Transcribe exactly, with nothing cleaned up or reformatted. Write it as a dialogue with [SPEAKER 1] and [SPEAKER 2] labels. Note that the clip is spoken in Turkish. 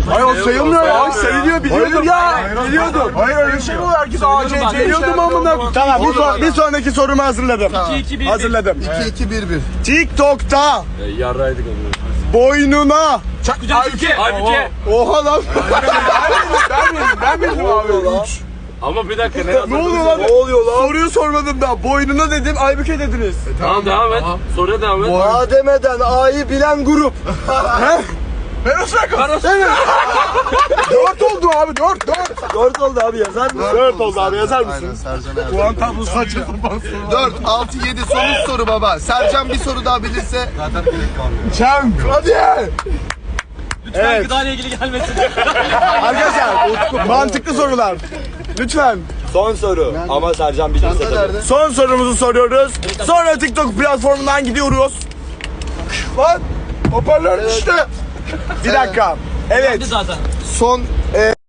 [SPEAKER 1] Hayır o sayılmıyor ya. Sayılıyor biliyordum. Ya biliyordum. Hayır öyle şey mi olur? Herkes A C C biliyordum amına. Tamam bir, son, bir sonraki sorumu hazırladım.
[SPEAKER 2] iki iki bir bir.
[SPEAKER 1] Hazırladım.
[SPEAKER 3] iki iki bir bir.
[SPEAKER 1] TikTok'ta
[SPEAKER 4] Yarraydık onu.
[SPEAKER 1] boynuna
[SPEAKER 2] Halbuki. Halbuki.
[SPEAKER 1] Oha lan. Ben bildim, ben bildim abi. Üç.
[SPEAKER 4] Ama bir dakika ne
[SPEAKER 1] Ne oluyor lan?
[SPEAKER 4] Ne oluyor lan?
[SPEAKER 1] Soruyu sormadım daha. Boynuna dedim, Aybüke dediniz.
[SPEAKER 4] Tamam devam et. Soruya devam et.
[SPEAKER 1] A demeden A'yı bilen grup. He? Ben o şaka. Evet. Dört oldu abi, dört, dört. Dört oldu abi, yazar mısın? Dört oldu abi, yazar
[SPEAKER 3] Aynen
[SPEAKER 1] mısın?
[SPEAKER 3] Sercan Erdoğan.
[SPEAKER 1] Puan tablosu saçma sapan soru.
[SPEAKER 3] dört, altı, yedi sonuç soru baba. Sercan bir soru daha bilirse zaten direkt kalmıyor.
[SPEAKER 1] Çam, hadi.
[SPEAKER 2] Lütfen
[SPEAKER 1] Evet.
[SPEAKER 2] gıdayla ilgili gelmesin.
[SPEAKER 1] Arkadaşlar, mantıklı sorular. Lütfen.
[SPEAKER 4] Son soru. Ama Sercan bilirse
[SPEAKER 3] Çanta
[SPEAKER 4] tabii.
[SPEAKER 3] nerede?
[SPEAKER 1] Son sorumuzu soruyoruz. Sonra TikTok platformundan gidiyoruz. Lan, hoparlör düştü. Bir dakika. Evet.
[SPEAKER 2] zaten.
[SPEAKER 3] Son